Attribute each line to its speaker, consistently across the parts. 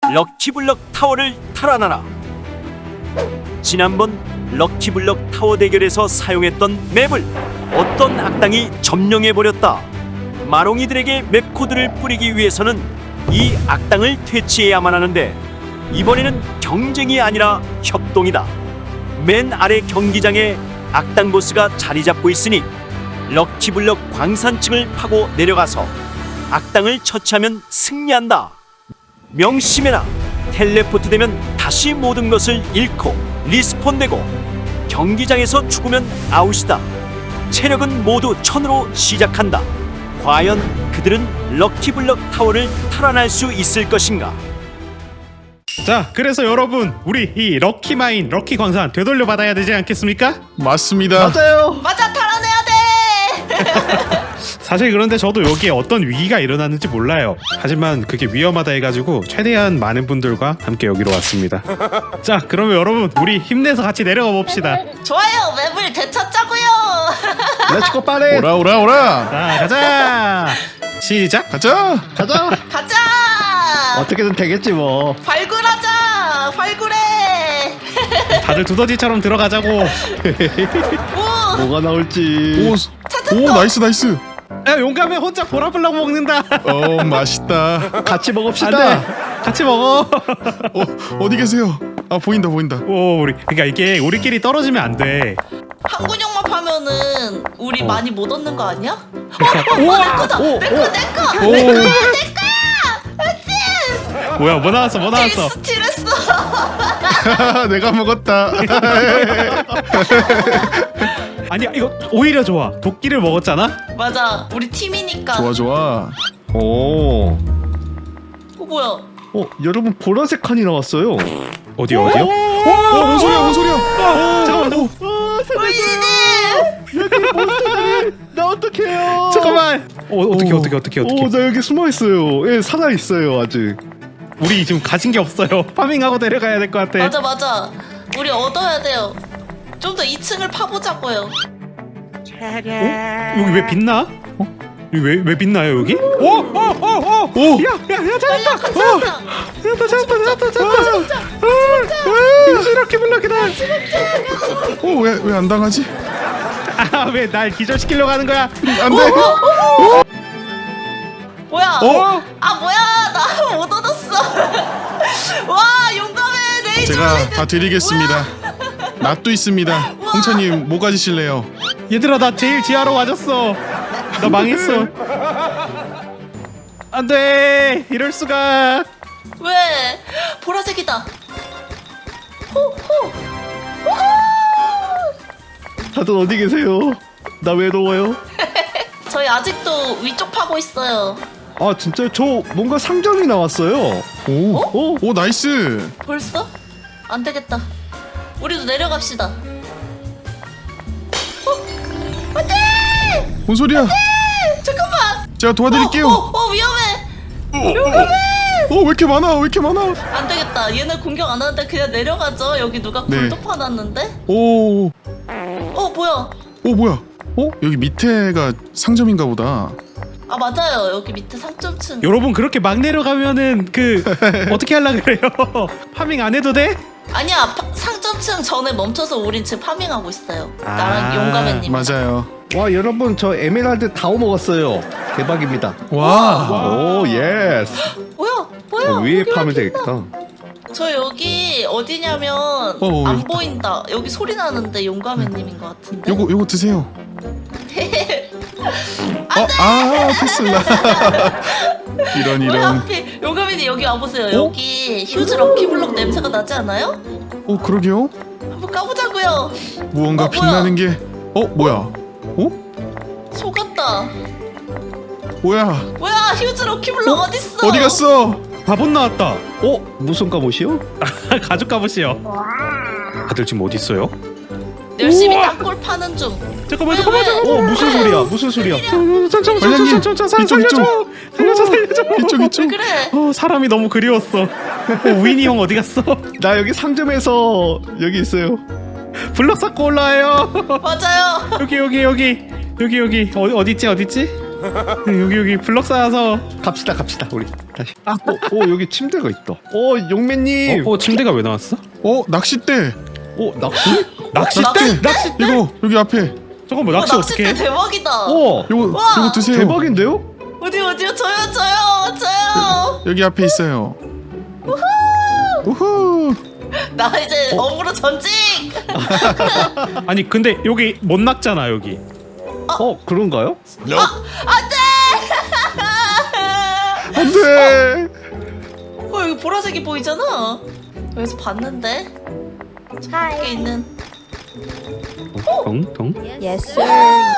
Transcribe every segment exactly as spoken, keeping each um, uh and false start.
Speaker 1: 럭키블럭 타워를 탈환하라. 지난번 럭키블럭 타워 대결에서 사용했던 맵을 어떤 악당이 점령해버렸다. 마롱이들에게 맵 코드를 뿌리기 위해서는 이 악당을 퇴치해야만 하는데 이번에는 경쟁이 아니라 협동이다. 맨 아래 경기장에 악당 보스가 자리 잡고 있으니 럭키블럭 광산층을 파고 내려가서 악당을 처치하면 승리한다. 명심해라. 텔레포트 되면 다시 모든 것을 잃고 리스폰되고 경기장에서 죽으면 아웃이다. 체력은 모두 천으로 시작한다. 과연 그들은 럭키블럭 타워를 탈환할 수 있을 것인가?
Speaker 2: 자, 그래서 여러분, 우리 이 럭키마인, 럭키 광산 되돌려 받아야 되지 않겠습니까?
Speaker 3: 맞습니다.
Speaker 4: 맞아요.
Speaker 5: 맞아, 탈환해야 돼.
Speaker 2: 사실 그런데 저도 여기에 어떤 위기가 일어났는지 몰라요. 하지만 그게 위험하다 해가지고 최대한 많은 분들과 함께 여기로 왔습니다. 자, 그러면 여러분, 우리 힘내서 같이 내려가 봅시다.
Speaker 5: 좋아요, 맵을 되찾자고요.
Speaker 4: 렛츠고 빠레.
Speaker 3: 오라 오라 오라.
Speaker 2: 자, 가자. 시작.
Speaker 3: 가자.
Speaker 4: 가자.
Speaker 5: 가자.
Speaker 4: 어떻게든 되겠지 뭐.
Speaker 5: 발굴하자. 발굴해.
Speaker 2: 다들 두더지처럼 들어가자고.
Speaker 5: 오,
Speaker 4: 뭐가 나올지.
Speaker 3: 오,
Speaker 5: 찾았다.
Speaker 3: 오 나이스 나이스.
Speaker 2: 야, 용감해 혼자 보라블럭 먹는다.
Speaker 3: 어 맛있다.
Speaker 4: 같이 먹읍시다.
Speaker 2: 안돼. 같이 먹어.
Speaker 3: 어 어디 계세요? 아 보인다 보인다.
Speaker 2: 오, 우리 그러니까 이게 우리끼리 떨어지면 안 돼.
Speaker 5: 한 근육만 파면은 우리
Speaker 2: 어.
Speaker 5: 많이 못 얻는 거 아니야?
Speaker 2: 그러니까
Speaker 5: 어, 내 거다.
Speaker 4: 오,
Speaker 5: 내 거, 내 거.
Speaker 3: 오.
Speaker 5: 내 거야, 내 거야. 알지?
Speaker 2: 뭐야, 뭐 나왔어, 뭐 나왔어.
Speaker 5: 스트레스.
Speaker 3: 내가 먹었다.
Speaker 2: 아니, 이거 오히려 좋아. 도끼를 먹었잖아.
Speaker 5: 맞아, 우리 팀이니까.
Speaker 3: 좋아 좋아.
Speaker 4: 오.
Speaker 5: 어, 뭐야?
Speaker 4: 어, 여러분 보라색 칸이 나왔어요.
Speaker 2: 어디 어디요?
Speaker 3: 어, 뭔 소리야 뭔 소리야?
Speaker 2: 잠깐만, 잠깐만.
Speaker 5: 우리님.
Speaker 4: 나 어떡해요?
Speaker 2: 잠깐만. 어, 어떻게
Speaker 4: 오.
Speaker 2: 어떻게 어떻게
Speaker 4: 오,
Speaker 2: 어떻게?
Speaker 4: 나 여기 숨어 있어요. 예, 살아 있어요 아직.
Speaker 2: 우리 지금 가진 게 없어요. 파밍하고 내려가야 될 것 같아.
Speaker 5: 맞아, 맞아. 우리 얻어야 돼요. 좀 더 이 층을 파보자고요.
Speaker 2: 어? 여기 왜 빛나? 어? 여기 왜 왜 빛나요 여기? 오, 오, 오, 오,
Speaker 3: 오.
Speaker 2: 야, 야, 야,
Speaker 5: 빨리
Speaker 2: 찾았다.
Speaker 5: 같이
Speaker 2: 어,
Speaker 5: 가자.
Speaker 2: 찾았다, 찾았다, 찾았다, 찾았다. 역시 이렇게 블럭이다.
Speaker 3: 어왜 왜 안 당하지?
Speaker 2: 아, 왜 날 기절시키려고 하는 거야?
Speaker 3: 안돼.
Speaker 5: 뭐야?
Speaker 2: 어?
Speaker 5: 아, 뭐야? 나 못 얻었어. 와, 용감해. 레이저.
Speaker 3: 제가 다 드리겠습니다. 낫도 있습니다. 홍차님 뭐 가지실래요?
Speaker 2: 얘들아, 나 제일 지하로 와줬어. 나 망했어. 안돼, 이럴 수가.
Speaker 5: 왜? 보라색이다. 호, 호. 우후!
Speaker 4: 다들 어디 계세요? 나 외로워요.
Speaker 5: 저희 아직도 위쪽 파고 있어요.
Speaker 4: 아 진짜 저 뭔가 상점이 나왔어요.
Speaker 3: 오.
Speaker 4: 오.
Speaker 3: 오 나이스.
Speaker 5: 벌써? 안 되겠다. 우리도 내려갑시다. 어? 안 돼!
Speaker 3: 뭔 소리야?
Speaker 5: 잠깐만.
Speaker 3: 제가 도와드릴게요.
Speaker 5: 어, 어, 어, 위험해.
Speaker 3: 어 왜 이렇게 많아? 왜 이렇게 많아?
Speaker 5: 안 되겠다. 얘네 공격 안 하는데 그냥 내려가죠. 여기 누가
Speaker 3: 네.
Speaker 5: 굴도 파놨는데?
Speaker 3: 오.
Speaker 5: 어, 뭐야?
Speaker 3: 오 뭐야? 어 여기 밑에가 상점인가 보다.
Speaker 5: 아, 맞아요. 여기 밑에 상점층.
Speaker 2: 여러분, 그렇게 막 내려가면은 그 어떻게 하려 그래요? 파밍 안 해도 돼?
Speaker 5: 아니야, 파, 상점층 전에 멈춰서 우린 지금 파밍하고 있어요.
Speaker 2: 아,
Speaker 5: 나랑 용감해님.
Speaker 3: 맞아요.
Speaker 4: 와 여러분 저 에메랄드 다 먹었어요. 대박입니다.
Speaker 3: 와.
Speaker 4: 오 예스.
Speaker 5: 뭐야? 뭐야?
Speaker 4: 어, 위에
Speaker 5: 여기
Speaker 4: 파면
Speaker 5: 왜
Speaker 4: 되겠다.
Speaker 5: 저 여기 어디냐면
Speaker 3: 어,
Speaker 5: 안
Speaker 3: 여기
Speaker 5: 보인다. 여기 소리 나는데 용감해님인 것 같은데.
Speaker 3: 요거 요거 드세요.
Speaker 5: 안
Speaker 3: 어,
Speaker 5: 돼!
Speaker 3: 아 테슬라. 이런
Speaker 5: 왜
Speaker 3: 이런.
Speaker 5: 하필 용감해님 여기 와보세요. 여기 휴즈 럭키블럭 냄새가 나지 않아요?
Speaker 3: 어 그러게요.
Speaker 5: 한번 까보자고요.
Speaker 3: 무언가
Speaker 5: 어, 뭐야?
Speaker 3: 빛나는 게. 어 뭐야? 어
Speaker 5: 속았다.
Speaker 3: 뭐야?
Speaker 5: 뭐야, 휴즈 럭키블럭 어? 딨어
Speaker 3: 어디 갔어?
Speaker 2: 바본 나왔다.
Speaker 4: 어 무슨 갑옷이요?
Speaker 2: 가죽 갑옷이요. 다들 지금 어디 있어요?
Speaker 5: 열심히 땅굴 파는 중.
Speaker 2: 잠깐만,
Speaker 5: 왜,
Speaker 2: 잠깐만,
Speaker 5: 왜?
Speaker 2: 잠깐만.
Speaker 4: 어 무슨 소리야? 무슨 소리야?
Speaker 2: 잠깐만,
Speaker 3: 관장님,
Speaker 2: 잠깐만,
Speaker 3: 이쪽,
Speaker 2: 살려줘,
Speaker 3: 이쪽.
Speaker 2: 살려줘, 살려줘.
Speaker 3: 이쪽 이쪽.
Speaker 5: 왜 그래?
Speaker 2: 어, 사람이 너무 그리웠어. 어, 위니 형 어디 갔어?
Speaker 4: 나 여기 상점에서 여기 있어요.
Speaker 2: 블럭 쌓고 올라와요.
Speaker 5: 맞아요.
Speaker 2: 여기 여기 여기 여기 여기 어디 어디 있지 어디 있지? 여기 여기 블럭 쌓아서.
Speaker 4: 갑시다 갑시다 우리 다시. 아, 어, 어 여기 침대가 있다. 어 용매님.
Speaker 2: 어, 어 침대가 왜 나왔어?
Speaker 3: 어 낚싯대.
Speaker 4: 어 낚시?
Speaker 2: 낚싯대?
Speaker 5: 낚시
Speaker 3: 이거 여기 앞에.
Speaker 2: 저거 뭐
Speaker 5: 어,
Speaker 2: 낚시
Speaker 5: 낚싯대
Speaker 2: 어떻게?
Speaker 5: 대박이다.
Speaker 4: 어
Speaker 3: 요거
Speaker 5: 와,
Speaker 3: 요거 드세요.
Speaker 4: 대박인데요?
Speaker 5: 어디 어디요? 저요 저요 저요.
Speaker 3: 여기 앞에 있어요. 우후.
Speaker 5: 나 이제 업으로 전직.
Speaker 2: 아니 근데 여기 못 낚잖아 여기.
Speaker 4: 어 그런가요?
Speaker 3: 안돼.
Speaker 5: 어 여기 보라색이 보이잖아. 여기서 봤는데 저기 있는.
Speaker 2: 덩덩.
Speaker 6: Yes, sir.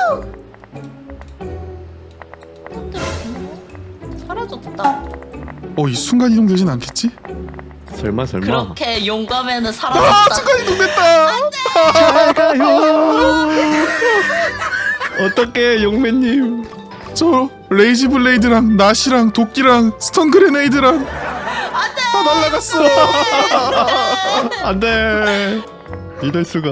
Speaker 5: 사라졌다.
Speaker 3: 어이 순간 이동 되진 않겠지?
Speaker 4: 설마 설마.
Speaker 5: 그렇게 용감에는
Speaker 3: 아
Speaker 5: 사라졌다.
Speaker 3: 순간 이동 됐다.
Speaker 4: 잘 가요. 어떻게 용매님?
Speaker 3: 저 레이지 블레이드랑 낫이랑 도끼랑 스턴 그레네이드랑 다 날라갔어.
Speaker 4: 안돼. 이럴 수가.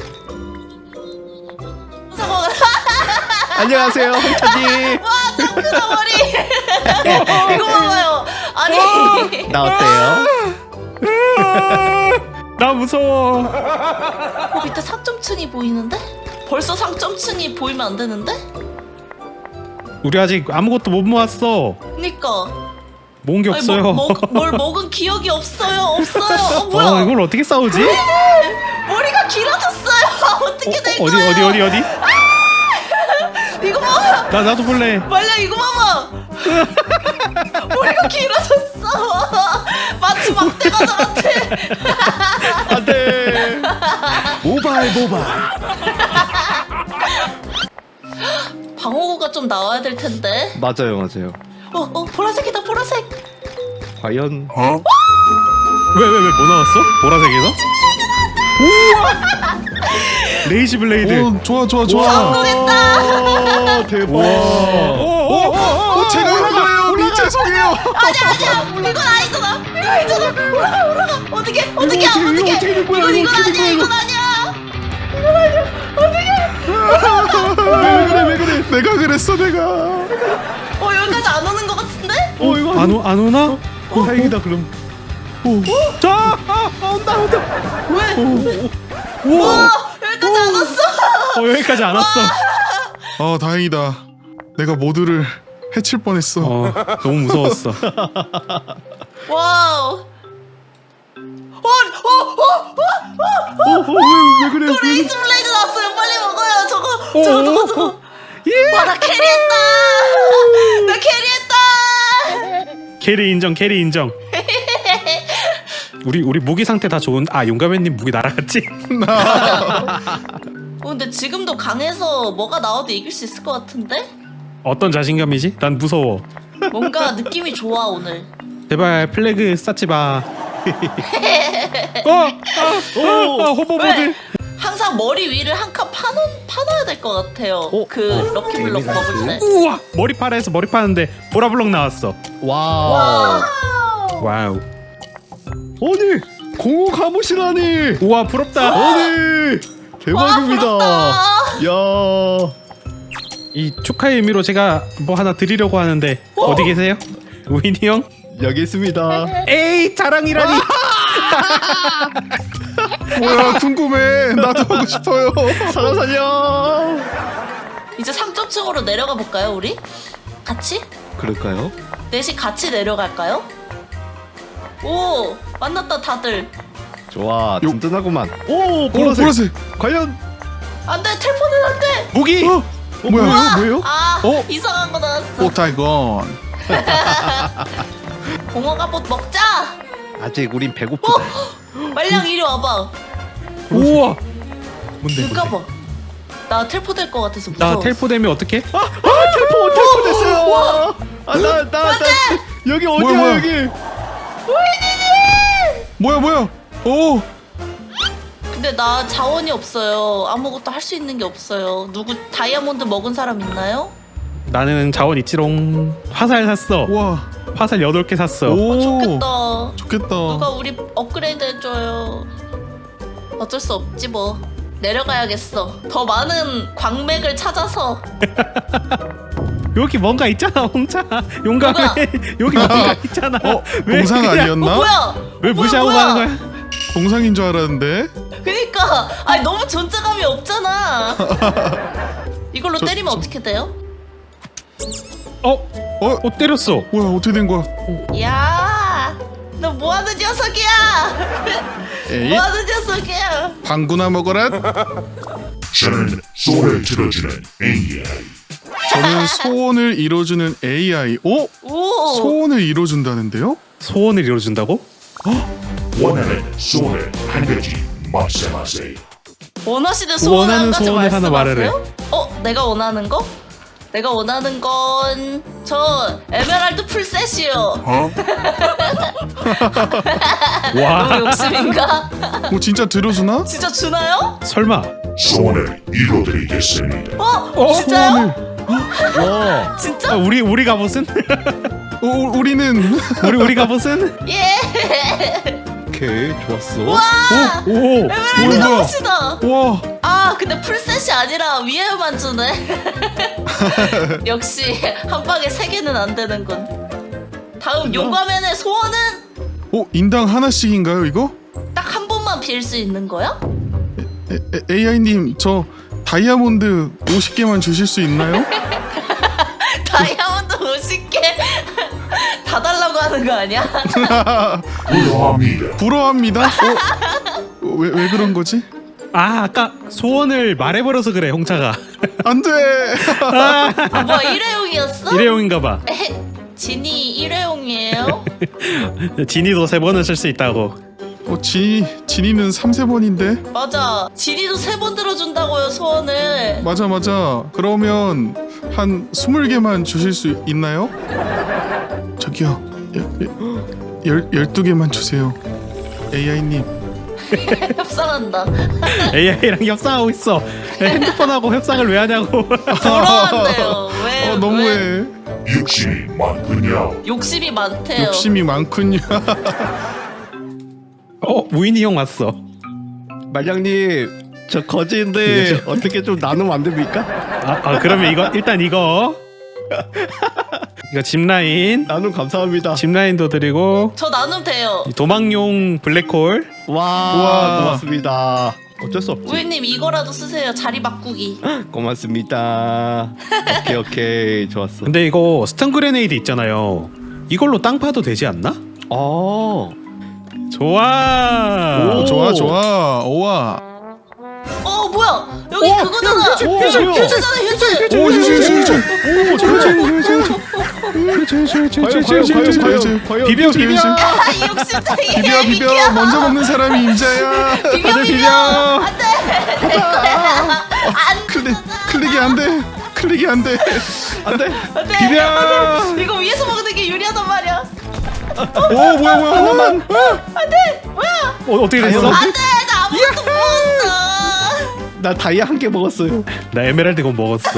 Speaker 5: 무서워.
Speaker 4: 안녕하세요 홍차님.
Speaker 5: 와 짱크다 머리. 이거 봐봐요. 아니.
Speaker 4: 나 어때요?
Speaker 2: 나 무서워.
Speaker 5: 어, 밑에 상점층이 보이는데? 벌써 상점층이 보이면 안 되는데?
Speaker 2: 우리 아직 아무것도 못 모았어.
Speaker 5: 그니까.
Speaker 2: 모은 게
Speaker 5: 아니,
Speaker 2: 없어요.
Speaker 5: 뭐, 먹, 뭘 먹은 기억이 없어요. 없어요. 어 뭐야?
Speaker 2: 어, 이걸 어떻게 싸우지?
Speaker 5: 머리가 길어졌어요. 어떻게 된
Speaker 2: 어, 어디
Speaker 5: 거야?
Speaker 2: 어디 어디 어디?
Speaker 5: 이거 봐봐.
Speaker 2: 나 나도 볼래.
Speaker 5: 말려 이거 봐봐. 머리가 길어졌어. 마치 막대 과자 같아.
Speaker 4: 안돼. 모발 모발.
Speaker 5: 방어구가 좀 나와야 될 텐데.
Speaker 4: 맞아요 맞아요.
Speaker 5: 어, 어, 보라색이다, 보라색.
Speaker 4: 과연
Speaker 2: 왜 왜 왜 뭐 나왔어? 보라색에서? 우와! 레이지 블레이드.
Speaker 3: 오 좋아 좋아 좋아.
Speaker 5: 성공했다.
Speaker 4: 오, 대박.
Speaker 3: 어 제가 하는 거예요. 미 죄송해요.
Speaker 5: 아니야, 아니야. 이건 아니잖아. 이거 아니잖아. 올라가, 올라가. 어떻게, 어떻게,
Speaker 4: 이거 어떻게, 이거
Speaker 5: 어떻게.
Speaker 4: 어떻게 된 거야,
Speaker 5: 이건,
Speaker 4: 이거
Speaker 5: 이건
Speaker 4: 어떻게 된
Speaker 5: 아니야,
Speaker 4: 거야,
Speaker 5: 이건 아니야. 이건 아니야. 어떻게.
Speaker 3: 왜 그래 왜 그래. 내가 그랬어 내가.
Speaker 5: 어, 여기까지 안 오는 것 같은데?
Speaker 4: 어 이거
Speaker 2: 안, 오, 안 오나?
Speaker 4: 어, 다행이다 그럼.
Speaker 2: 자! 아, 아, 온다 온다.
Speaker 5: 왜?
Speaker 2: 우와!
Speaker 5: 여기까지 안 왔어.
Speaker 2: 어, 여기까지 안 왔어.
Speaker 3: 어 다행이다. 내가 모두를 해칠 뻔했어.
Speaker 2: 어, 너무 무서웠어.
Speaker 5: 와우. 어, 어, 어, 어.
Speaker 4: 어왜왜 그래?
Speaker 5: 또 레이즈 블레이드 나왔어요. 빨리 먹어요. 저거,
Speaker 2: 어,
Speaker 5: 저거, 저거,
Speaker 2: 어,
Speaker 5: 저거.
Speaker 2: 예!
Speaker 5: 와, 나 캐리했다. 나 캐리했다.
Speaker 2: 캐리 인정, 캐리 인정. 우리 우리 무기 상태 다 좋은. 아, 용감해님 무기 날아갔지?
Speaker 5: 어, 근데 지금도 강해서 뭐가 나와도 이길 수 있을 것 같은데?
Speaker 2: 어떤 자신감이지? 난 무서워.
Speaker 5: 뭔가 느낌이 좋아 오늘.
Speaker 2: 제발 플래그 쌓지 마. 어, 아, 어, 아, 호버보드.
Speaker 5: 왜? 항상 머리 위를 한 칸 파놓, 파놔야 될 것 같아요.
Speaker 4: 어?
Speaker 5: 그
Speaker 4: 어?
Speaker 5: 럭키블럭 먹을 때.
Speaker 2: 우와, 머리파래에서 머리 파는데 보라블럭 나왔어.
Speaker 4: 와.
Speaker 2: 와우.
Speaker 4: 아니 공호 가보시라니.
Speaker 2: 우와, 부럽다.
Speaker 4: 아니 대박입니다.
Speaker 5: 와,
Speaker 4: 야.
Speaker 2: 이 축하의 의미로 제가 뭐 하나 드리려고 하는데 어디 계세요? 우인이 형?
Speaker 4: 여기 있습니다.
Speaker 2: 에이, 자랑이라니.
Speaker 3: 뭐야 궁금해. 나도 하고 싶어요.
Speaker 4: 사람 살려.
Speaker 5: 이제 상점층으로 내려가 볼까요 우리? 같이?
Speaker 4: 그럴까요?
Speaker 5: 넷이 같이 내려갈까요? 오 만났다 다들.
Speaker 4: 좋아
Speaker 3: 요-
Speaker 4: 든든하구만. 오
Speaker 3: 오
Speaker 4: 보라색.
Speaker 3: 보라색.
Speaker 4: 과연
Speaker 5: 안돼 텔포는 안돼.
Speaker 2: 무기.
Speaker 3: 어
Speaker 4: 어,
Speaker 3: 뭐야?
Speaker 4: 뭐예요? 뭐예요?
Speaker 5: 아
Speaker 2: 어?
Speaker 5: 이상한 거 나왔어.
Speaker 3: 오타이건.
Speaker 5: 공허 갑옷 먹자.
Speaker 4: 아직 우린 배고프다.
Speaker 5: 말량 이리 와봐.
Speaker 2: 우와. 뭔데?
Speaker 5: 눈 까봐. 나 텔포 될 것 같아서 무서워.
Speaker 2: 나 텔포 되면 어떡해?
Speaker 4: 아 텔포 텔포 됐어요. 아나 나 나 여기 어디야
Speaker 3: 뭐야, 뭐야?
Speaker 4: 여기?
Speaker 3: 뭐야 뭐야. 오.
Speaker 5: 근데 나 자원이 없어요. 아무것도 할 수 있는 게 없어요. 누구 다이아몬드 먹은 사람 있나요?
Speaker 2: 나는 자원 있지롱. 화살 샀어.
Speaker 3: 와.
Speaker 2: 화살 여덟 개 샀어.
Speaker 3: 오.
Speaker 5: 어, 좋겠다.
Speaker 3: 좋겠다.
Speaker 5: 누가 우리 업그레이드 해줘요. 어쩔 수 없지 뭐. 내려가야겠어. 더 많은 광맥을 찾아서.
Speaker 2: 여기 뭔가 있잖아 홍차. 용감해. 여기 뭔가 있잖아.
Speaker 3: 어?
Speaker 2: 왜
Speaker 3: 공상
Speaker 2: 그냥-
Speaker 5: 어,
Speaker 3: 아니었나?
Speaker 5: 뭐야?
Speaker 2: 왜
Speaker 5: 뭐야,
Speaker 2: 무시하고
Speaker 5: 뭐야?
Speaker 2: 가는 거야?
Speaker 3: 공상인 줄 알았는데.
Speaker 5: 그니까 아니 너무 존재감이 없잖아. 이걸로
Speaker 3: 저-
Speaker 5: 때리면
Speaker 3: 저-
Speaker 5: 어떻게 돼요?
Speaker 2: 어?
Speaker 3: 어?
Speaker 2: 어 때렸어.
Speaker 3: 뭐야 어떻게 된 거야?
Speaker 5: 야, 너 뭐하는 녀석이야?
Speaker 3: 에이
Speaker 5: 뭐하는 녀석이야?
Speaker 3: 방구나 먹어라.
Speaker 6: 저는 소원을 들어주는 에이아이.
Speaker 3: 저는 소원을 이뤄주는 에이아이. 오?
Speaker 5: 오,
Speaker 3: 소원을 이뤄준다는데요?
Speaker 2: 소원을 이뤄준다고?
Speaker 6: 원하는 소원을 한 가지 말씀하세요.
Speaker 5: 원하시는 소원 한
Speaker 2: 원하는
Speaker 5: 가지
Speaker 2: 소원을 하나
Speaker 5: 말씀하세요?
Speaker 2: 말하래.
Speaker 5: 어, 내가 원하는 거? 내가 원하는 건 저 에메랄드 풀셋이요.
Speaker 6: 어?
Speaker 2: 와.
Speaker 5: 너무 욕심인가?
Speaker 3: 뭐 진짜 들어주나?
Speaker 5: 진짜 주나요?
Speaker 2: 설마.
Speaker 6: 소원을 이뤄드리겠습니다.
Speaker 5: 어?
Speaker 2: 어?
Speaker 5: 진짜요?
Speaker 2: 와.
Speaker 5: 진짜?
Speaker 2: 아, 우리 우리 갑옷은?
Speaker 3: 어, 우리는
Speaker 2: 우리 우리 갑옷은?
Speaker 5: 예.
Speaker 4: 오케이 좋았어.
Speaker 2: 오. 오.
Speaker 5: 에메랄드
Speaker 3: 뭐야?
Speaker 5: 갑옷이다.
Speaker 3: 와
Speaker 5: 아, 근데 풀셋이 아니라 위에만 주네. 역시 한 방에 세 개는 안 되는군. 다음 용과맨의 소원은
Speaker 3: 어, 인당 하나씩인가요 이거?
Speaker 5: 딱 한 번만 빌 수 있는 거야?
Speaker 3: 에이아이님 저 다이아몬드 오십 개만 주실 수 있나요?
Speaker 5: 다이아몬드 오십 개 다 달라고 하는 거 아니야?
Speaker 6: 부러합니다.
Speaker 3: 부러워합니다. 어? 왜, 왜 그런 거지?
Speaker 2: 아 아까 소원을 말해버려서 그래 홍차가.
Speaker 3: 안돼.
Speaker 5: 아, 뭐야 일회용이었어?
Speaker 2: 일회용인가봐.
Speaker 5: 에헤, 진이 일회용이에요?
Speaker 2: 진이도 세 번은 쓸 수 있다고.
Speaker 3: 어, 진이 진이는 삼세 번인데.
Speaker 5: 맞아. 진이도 세 번 들어준다고요 소원을.
Speaker 3: 맞아 맞아. 그러면 한 스물 개만 주실 수 있나요? 저기요. 열 열두 개만 주세요. 에이아이님.
Speaker 5: 협상한다.
Speaker 2: 에이아이랑 협상하고 있어. 핸드폰하고 협상을 왜 하냐고.
Speaker 5: 부러워한대요. 왜?
Speaker 3: 어
Speaker 5: 왜?
Speaker 3: 너무해.
Speaker 6: 욕심이 많군요.
Speaker 5: 욕심이 많대요.
Speaker 3: 욕심이 많군요.
Speaker 2: 어 무인이 형 왔어.
Speaker 4: 말량님 저 거지인데 어떻게 좀 나누면 안 됩니까?
Speaker 2: 아, 아 그러면 이거 일단 이거 이거 짚라인
Speaker 4: 나눔 감사합니다.
Speaker 2: 짚라인도 드리고
Speaker 5: 저 나눔 돼요.
Speaker 2: 이 도망용 블랙홀.
Speaker 4: 와,
Speaker 3: 우와.
Speaker 4: 고맙습니다. 어쩔 수 없지.
Speaker 5: 우유님 이거라도 쓰세요. 자리 바꾸기.
Speaker 4: 고맙습니다. 오케이 오케이 좋았어.
Speaker 2: 근데 이거 스턴 그레네이드 있잖아요. 이걸로 땅 파도 되지 않나?
Speaker 4: 어.
Speaker 2: 좋아.
Speaker 3: 오, 좋아 좋아. 오와.
Speaker 5: 어 뭐야? 여기 그거잖아.
Speaker 4: 휴지, 휴지, 휴지.
Speaker 5: 휴지잖아 휴지.
Speaker 3: 오 휴지 휴지 휴지.
Speaker 4: 과연 과연 과연
Speaker 2: 비벼 비벼.
Speaker 5: 아, 이 욕심쟁이.
Speaker 3: 비벼 비벼. 먼저 먹는 사람이 임자야.
Speaker 5: 비벼
Speaker 2: 다들
Speaker 5: 비벼.
Speaker 2: 비벼.
Speaker 5: 안돼. 안
Speaker 3: 클릭 클릭이 안 돼. 클릭이 안 돼.
Speaker 4: 안돼.
Speaker 5: 안돼.
Speaker 2: 비벼.
Speaker 5: 이거 위에서 먹는 게 유리하단 말이야.
Speaker 3: 오 뭐야 뭐야 하나만.
Speaker 5: 안돼. 뭐야?
Speaker 2: 어, 어떻게 됐어?
Speaker 5: 안돼. 나 아무것도 먹었어.
Speaker 4: 나 다이아 한 개 먹었어요.
Speaker 2: 나 에메랄드 건 먹었어.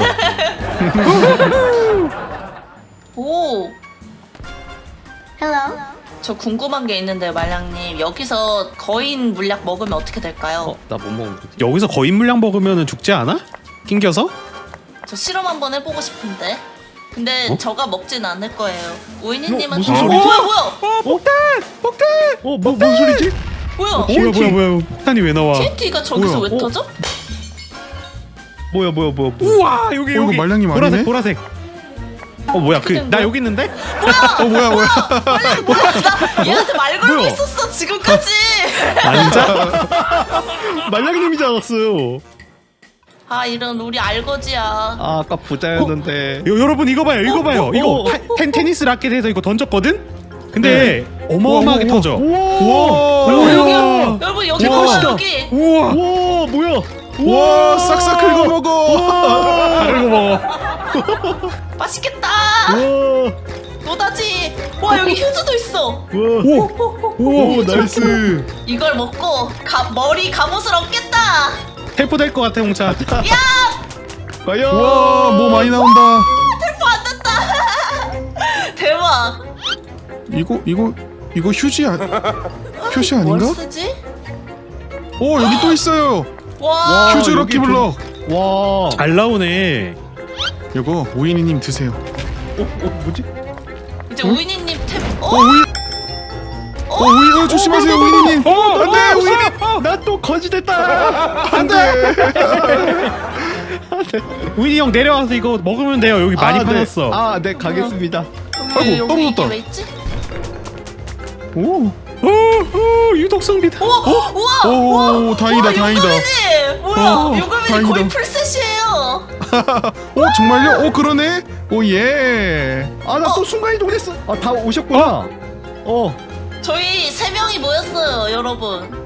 Speaker 5: 오. 헬로. 저 궁금한 게 있는데요, 말량님. 여기서 거인 물약 먹으면 어떻게 될까요?
Speaker 4: 어, 나 못 먹는 거지?
Speaker 2: 여기서 거인 물량 먹으면 죽지 않아? 낑겨서?
Speaker 5: 저 실험 한번 해보고 싶은데. 근데
Speaker 2: 어?
Speaker 5: 저가 먹진 않을 거예요. 우이니님은
Speaker 4: 무슨
Speaker 5: 어,
Speaker 4: 소리지?
Speaker 5: 뭐야 뭐야
Speaker 2: 어 폭탄! 폭탄!
Speaker 4: 어, 뭐, 뭔 소리지?
Speaker 5: 뭐야?
Speaker 2: 뭐야 뭐야 뭐야 폭탄이 왜 나와?
Speaker 5: 티엔티가 저기서
Speaker 3: 뭐야?
Speaker 5: 왜
Speaker 4: 어?
Speaker 5: 터져?
Speaker 4: 뭐야, 뭐야, 뭐야, 뭐야.
Speaker 2: 우와 여기
Speaker 3: 어,
Speaker 2: 여기
Speaker 3: 이거 말량님
Speaker 2: 보라색
Speaker 3: 아니네?
Speaker 2: 보라색. 어 뭐야 그
Speaker 5: 된
Speaker 2: 나
Speaker 5: 거야?
Speaker 2: 여기 있는데?
Speaker 3: 어 뭐야 뭐야.
Speaker 5: 나 얘한테 말 걸고
Speaker 2: 뭐야?
Speaker 5: 있었어 지금까지.
Speaker 2: 아 진짜?
Speaker 4: 말량님이지 않았어요.
Speaker 5: 아 이런 우리 알거지야.
Speaker 4: 아, 아까 부자였는데.
Speaker 2: 여, 여러분 이거 봐요 이거 봐요
Speaker 4: 어,
Speaker 2: 이거
Speaker 4: 어,
Speaker 2: 타- 텐, 테니스 라켓에서 이거 던졌거든? 근데 어마어마하게
Speaker 3: 우와, 우와,
Speaker 2: 터져.
Speaker 3: 우와.
Speaker 5: 여러분 여기
Speaker 3: 우와.
Speaker 5: 여러분 여기
Speaker 3: 우와.
Speaker 5: 봐봐 여기.
Speaker 2: 우와
Speaker 4: 와, 뭐야?
Speaker 3: 와 싹싹 긁어 먹어.
Speaker 2: 다르고 먹어.
Speaker 5: 맛있겠다.
Speaker 4: 와,
Speaker 5: 노다지. 와 여기 휴즈도 있어.
Speaker 4: 와.
Speaker 2: 오!
Speaker 3: 오 나이스.
Speaker 5: 이걸 먹고 가, 머리 갑옷을 얻겠다.
Speaker 2: 텔포 될 것 같아 홍차.
Speaker 4: 과연.
Speaker 3: 와 뭐 많이 나온다.
Speaker 5: 텔포 안 됐다. 대박.
Speaker 3: 이거 이거 이거 휴지 아 표시 아닌가?
Speaker 5: 뭘 쓰지?
Speaker 3: 오 여기 또 있어요.
Speaker 5: 와.
Speaker 3: 휴즈
Speaker 4: 여기
Speaker 3: 럭키블럭.
Speaker 4: 와.
Speaker 2: 잘 나오네.
Speaker 3: 이거 오이니님 드세요.
Speaker 4: 어 뭐지?
Speaker 5: 이제 우이니님 탭. 어?
Speaker 3: 어 우이 어 우이 어, 조심하세요 우이님.
Speaker 4: 어
Speaker 3: 안돼 우이
Speaker 4: 나또 거지됐다.
Speaker 3: 안돼.
Speaker 2: 우인이 형 내려와서 이거 먹으면 돼요. 여기 많이 파놨어.
Speaker 4: 아네 가겠습니다.
Speaker 5: 왜
Speaker 3: 아이고,
Speaker 5: 여기 이게
Speaker 3: 떨어졌다.
Speaker 5: 왜 있지?
Speaker 4: 오.
Speaker 2: 오, 오 유독성비다.
Speaker 5: 우와! 우와! 우와!
Speaker 3: 오 다행이다
Speaker 5: 우와,
Speaker 3: 다행이다.
Speaker 5: 요금이님! 뭐야?
Speaker 3: 어,
Speaker 5: 요금이님
Speaker 3: 다행이다.
Speaker 5: 거의 풀셋이에요.
Speaker 3: 어 정말요? 어 그러네. 오 예.
Speaker 4: 아 나 또 순간 이동했어. 아 다 오셨구나. 어.
Speaker 5: 저희 세 명이 모였어요, 여러분.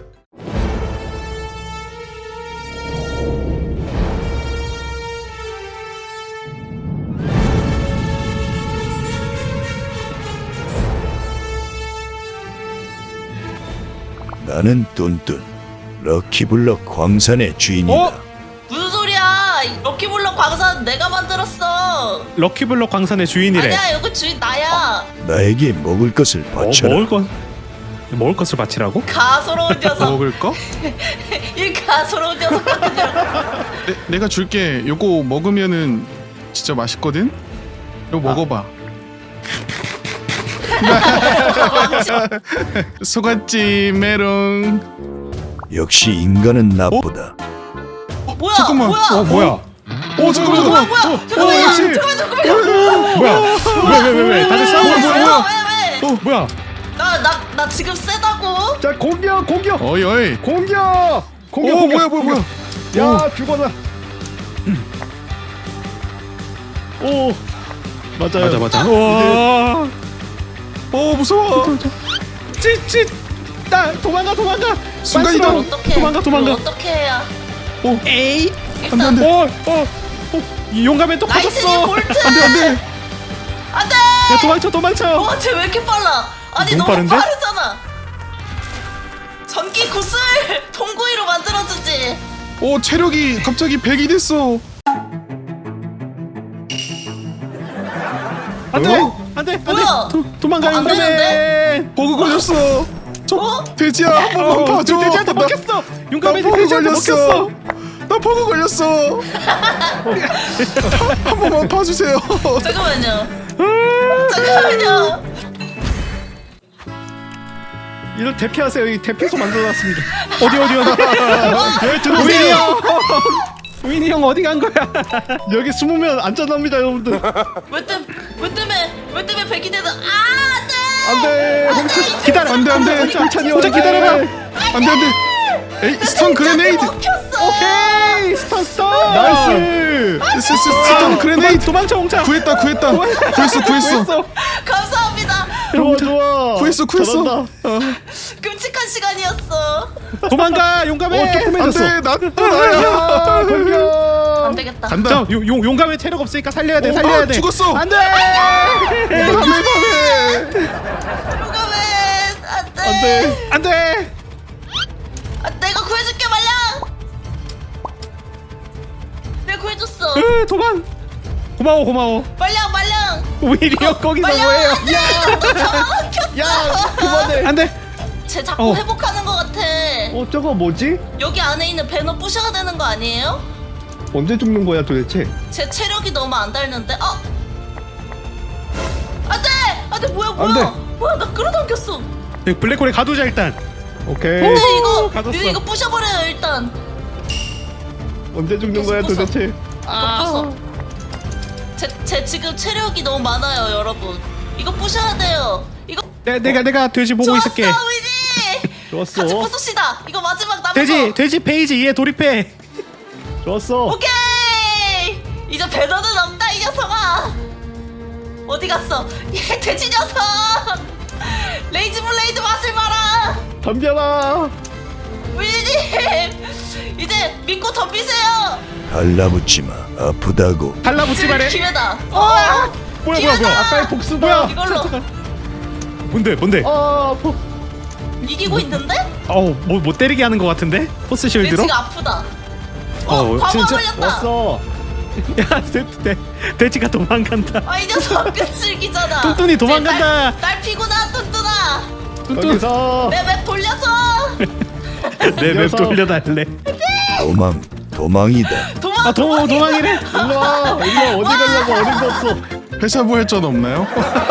Speaker 7: 나는 뚠뚠 럭키블럭 광산의 주인이다.
Speaker 2: 어?
Speaker 5: 무슨 소리야? 이 럭키블럭 광산 내가 만들었어.
Speaker 2: 럭키블럭 광산의 주인이래.
Speaker 5: 아니야, 여기 주인 나야.
Speaker 7: 나에게 먹을 것을
Speaker 2: 어,
Speaker 7: 바쳐라.
Speaker 2: 먹을 것 먹을 것을 바치라고?
Speaker 5: 가소로운 녀석.
Speaker 3: 먹을 거?
Speaker 5: 이 가소로운 녀석 같은 녀석.
Speaker 3: 내, 내가 줄게. 요거 먹으면은 진짜 맛있거든. 이거 먹어봐. 소갓집 메롱.
Speaker 7: 역시 인간은 나쁘다.
Speaker 5: 뭐야?
Speaker 3: 잠깐만.
Speaker 5: 뭐야?
Speaker 2: 어 뭐야?
Speaker 3: 오 잠깐만 잠깐만.
Speaker 5: 뭐야? 잠깐만요.
Speaker 3: 역시.
Speaker 5: 잠깐만, 잠깐만요.
Speaker 2: 뭐야? 왜 왜 왜 왜? 다들 싸우고
Speaker 3: 뭐야,
Speaker 2: 있어?
Speaker 3: 뭐야,
Speaker 5: 뭐야?
Speaker 3: 뭐야?
Speaker 5: 왜, 왜?
Speaker 2: 어 뭐야?
Speaker 5: 나, 나, 나 지금 세다고?
Speaker 4: 자 공격 공격
Speaker 3: 어이 어이.
Speaker 4: 공격 공격.
Speaker 3: 오
Speaker 4: 공격.
Speaker 3: 뭐야 뭐야 뭐야.
Speaker 4: 야 죽어라. 오 맞아요.
Speaker 2: 맞아 맞아. 와.
Speaker 3: 오 무서워.
Speaker 2: 찌찌. 나 도망가 도망가.
Speaker 3: 순간
Speaker 2: 빨리
Speaker 3: 이동.
Speaker 5: 어떻게?
Speaker 2: 도망가, 도망가.
Speaker 5: 어떻게 해야?
Speaker 2: 에이.
Speaker 5: 일단
Speaker 3: 안 돼.
Speaker 2: 어 어. 어. 이 용감해 또
Speaker 5: 나이스님
Speaker 2: 커졌어.
Speaker 5: 볼트.
Speaker 3: 안돼 안돼.
Speaker 5: 안돼.
Speaker 2: 야 도망쳐 도망쳐.
Speaker 5: 와, 쟤 왜 이렇게 빨라? 아니
Speaker 2: 너무
Speaker 5: 너무,
Speaker 2: 빠른데?
Speaker 5: 빠르잖아. 전기 구슬 통구이로 만들어주지.
Speaker 3: 오 체력이 갑자기 백이 됐어.
Speaker 2: 안돼
Speaker 3: 어?
Speaker 2: 안돼
Speaker 5: 뭐야?
Speaker 2: 안돼. 도망가
Speaker 5: 안
Speaker 2: 용감해.
Speaker 5: 되는데?
Speaker 3: 버그 걸렸어. 저
Speaker 5: 어?
Speaker 3: 돼지야 한 번만
Speaker 2: 어,
Speaker 3: 봐줘.
Speaker 2: 돼지한테
Speaker 3: 나-
Speaker 2: 먹혔어. 용감해
Speaker 3: 나 버그
Speaker 2: 돼지한테
Speaker 3: 걸렸어.
Speaker 2: 먹혔어.
Speaker 3: 나 버그 걸렸어. 한 번만 봐주세요.
Speaker 5: 잠깐만요. 잠깐만요.
Speaker 4: 이런 대피하세요. 이 대피소 만들어놨습니다.
Speaker 2: 어디 어디 어디.
Speaker 4: 왜
Speaker 2: 우인이
Speaker 4: 들어오세요?
Speaker 2: 형. 우인이 형 어디 간 거야?
Speaker 4: 여기 숨으면 안전합니다 여러분들.
Speaker 5: 왜 때, 왜 때문에, 왜 때문에 백이 되는? 아,
Speaker 4: 안돼.
Speaker 2: 기다려.
Speaker 3: 안돼 안돼.
Speaker 4: 천천히
Speaker 2: 혼자 기다려봐.
Speaker 3: 안돼 안돼. 에이 스턴 그레네이드.
Speaker 5: 먹혔어.
Speaker 2: 오케이 스턴 스턴.
Speaker 4: 나이스.
Speaker 3: 스- 스- 스턴 그레네이드.
Speaker 2: 도망쳐 홍차.
Speaker 3: 구했다 구했다. 구했어 구했어.
Speaker 2: 구했어.
Speaker 5: 감사합니다.
Speaker 4: 좋아 좋아.
Speaker 3: 구했어 구했어.
Speaker 4: 잘한다.
Speaker 3: 어.
Speaker 5: 끔찍한 시간이었어.
Speaker 2: 도망가 용감해.
Speaker 4: 어 조금해졌어.
Speaker 3: 안돼 나또 나야.
Speaker 4: 공격.
Speaker 5: 안 되겠다.
Speaker 3: 간다.
Speaker 2: 자, 용, 용, 용감해 체력 없으니까 살려야 돼
Speaker 3: 어,
Speaker 2: 살려야
Speaker 3: 아,
Speaker 2: 돼.
Speaker 3: 죽었어.
Speaker 2: 안돼.
Speaker 3: 밤에 밤에.
Speaker 5: 용감해. 안돼.
Speaker 4: 안돼.
Speaker 2: 안돼.
Speaker 5: 아, 내가 구해줄게 말량. 내가 구해줬어.
Speaker 2: 으, 도망. 고마워 고마워.
Speaker 5: 말량 말량.
Speaker 2: 우일이 형 거기서
Speaker 5: 말량
Speaker 2: 뭐해요?
Speaker 5: 안돼. 너 잡아먹혔어.
Speaker 4: 야 그만해.
Speaker 2: 안돼.
Speaker 5: 쟤 자꾸
Speaker 2: 어.
Speaker 5: 회복하는 것 같아.
Speaker 4: 어 저거 뭐지?
Speaker 5: 여기 안에 있는 배너 부셔야 되는 거 아니에요?
Speaker 4: 언제 죽는 거야 도대체?
Speaker 5: 제 체력이 너무 안 닳는데. 어? 안돼. 안돼 뭐야 뭐야.
Speaker 4: 안 돼.
Speaker 5: 뭐야 나 끌어당겼어.
Speaker 2: 여기 블랙홀에 가두자 일단.
Speaker 4: 오케이.
Speaker 5: 근데 이거
Speaker 2: 가뒀어.
Speaker 5: 이거 부셔버려요 일단.
Speaker 4: 언제 죽는 거야
Speaker 5: 부숴, 부숴.
Speaker 4: 도대체?
Speaker 5: 이거 부숴. 제, 제 지금 체력이 너무 많아요 여러분. 이거 부셔야 돼요. 이거
Speaker 2: 내, 내가 내가 돼지 보고
Speaker 5: 좋았어
Speaker 2: 있을게.
Speaker 5: 위지.
Speaker 4: 좋았어.
Speaker 5: 같이 부숩시다. 이거 마지막 남은
Speaker 2: 돼지
Speaker 5: 거.
Speaker 2: 돼지 페이지 이에 돌입해.
Speaker 4: 좋았어.
Speaker 5: 오케이. 이제 배너는 없다 이 녀석아. 어디 갔어? 얘 돼지 녀석. 레이지 블레이드 맛을 봐라.
Speaker 4: 덤벼라.
Speaker 5: 위님 이제 믿고 덤비세요.
Speaker 7: 달라붙지 마. 아프다고.
Speaker 2: 달라붙지 말해.
Speaker 5: 기회다. 어,
Speaker 2: 뭐야 뭐야
Speaker 5: 기회다.
Speaker 2: 뭐야.
Speaker 4: 아까의 복수다.
Speaker 2: 뭐야?
Speaker 5: 이걸로
Speaker 2: 뭔데 뭔데?
Speaker 4: 아 포.
Speaker 5: 이기고 있는데?
Speaker 2: 어우 뭐못 때리게 하는 것 같은데? 포스 쉴드로?
Speaker 5: 돼지가 아프다. 어,
Speaker 2: 어,
Speaker 5: 과거
Speaker 2: 진짜
Speaker 5: 걸렸다.
Speaker 4: 왔어.
Speaker 2: 야 돼, 돼, 돼지가 도망간다.
Speaker 5: 아, 이 녀석 끝슬기잖아.
Speaker 2: 뚠뚠이 도망간다.
Speaker 5: 날, 날 피구나, 뚠뚠아.
Speaker 2: 뚠뚠
Speaker 4: 여기서
Speaker 5: 내 맵 돌려줘.
Speaker 2: 내맵
Speaker 4: 녀석.
Speaker 2: 돌려달래.
Speaker 7: 도망 도망이다.
Speaker 5: 도망,
Speaker 2: 아 도, 도망이래.
Speaker 4: 일로 와. 일로 와. 어디 가려고 어림도 없어.
Speaker 3: 회사부 할 전 없나요?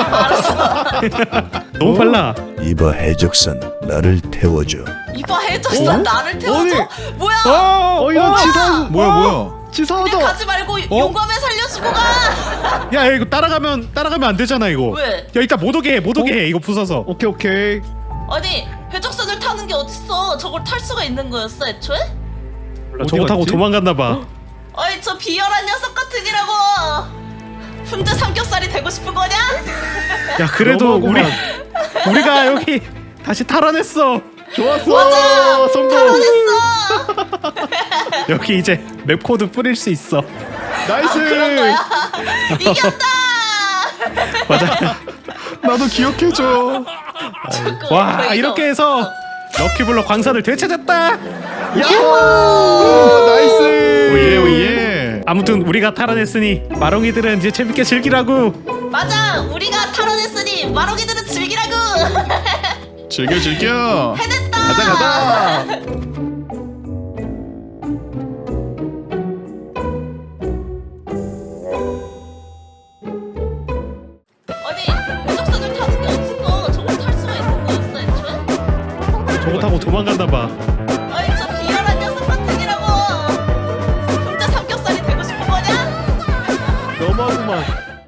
Speaker 2: 너무 빨라.
Speaker 7: 이봐 해적선 나를 태워줘.
Speaker 5: 이봐 해줬어. 나를 태워줘. 뭐야?
Speaker 4: 어 이런 치사
Speaker 3: 뭐야 뭐야?
Speaker 4: 치사하다.
Speaker 5: 그냥 가지 말고 용감해 살려주고 가.
Speaker 2: 야 이거 따라가면 따라가면 안 되잖아 이거.
Speaker 5: 왜?
Speaker 2: 야 일단 못 오게 해, 못 오게 해 이거 부숴서.
Speaker 4: 오케이 오케이.
Speaker 5: 아니 해적선을 타는 게 어딨어? 저걸 탈 수가 있는 거였어 애초에?
Speaker 2: 몰라, 저거 타고
Speaker 4: 갔지?
Speaker 2: 도망갔나 봐.
Speaker 5: 어이 저 비열한 녀석 같으니라고. 훈제 삼겹살이 되고 싶은 거냐?
Speaker 2: 야 그래도 우리
Speaker 4: 너무하구만.
Speaker 2: 우리가 여기 다시 탈환했어.
Speaker 4: 좋았어.
Speaker 5: 맞아.
Speaker 4: 성공.
Speaker 5: 탈환했어.
Speaker 2: 여기 이제 맵 코드 뿌릴 수 있어.
Speaker 4: 나이스.
Speaker 5: 그런 거야. 이겼다.
Speaker 2: 맞아.
Speaker 3: 나도 기억해줘.
Speaker 2: 와
Speaker 5: 거의
Speaker 2: 이렇게
Speaker 5: 다
Speaker 2: 해서 럭키블럭 광산을 되찾았다.
Speaker 4: 야호. 나이스.
Speaker 3: 오예 오예.
Speaker 2: 아무튼 우리가 탈환했으니 마롱이들은 이제 재밌게 즐기라고.
Speaker 5: 맞아. 우리가 탈환했으니 마로기들은 즐기라고.
Speaker 3: 즐겨 즐겨.
Speaker 5: 해냈다.
Speaker 4: 가자 가자.
Speaker 5: 아니 해적선을 타는 게 어딨어? 저걸 탈 수가 있는 거였어 애초에?
Speaker 2: 저거 타고 도망갔나 봐.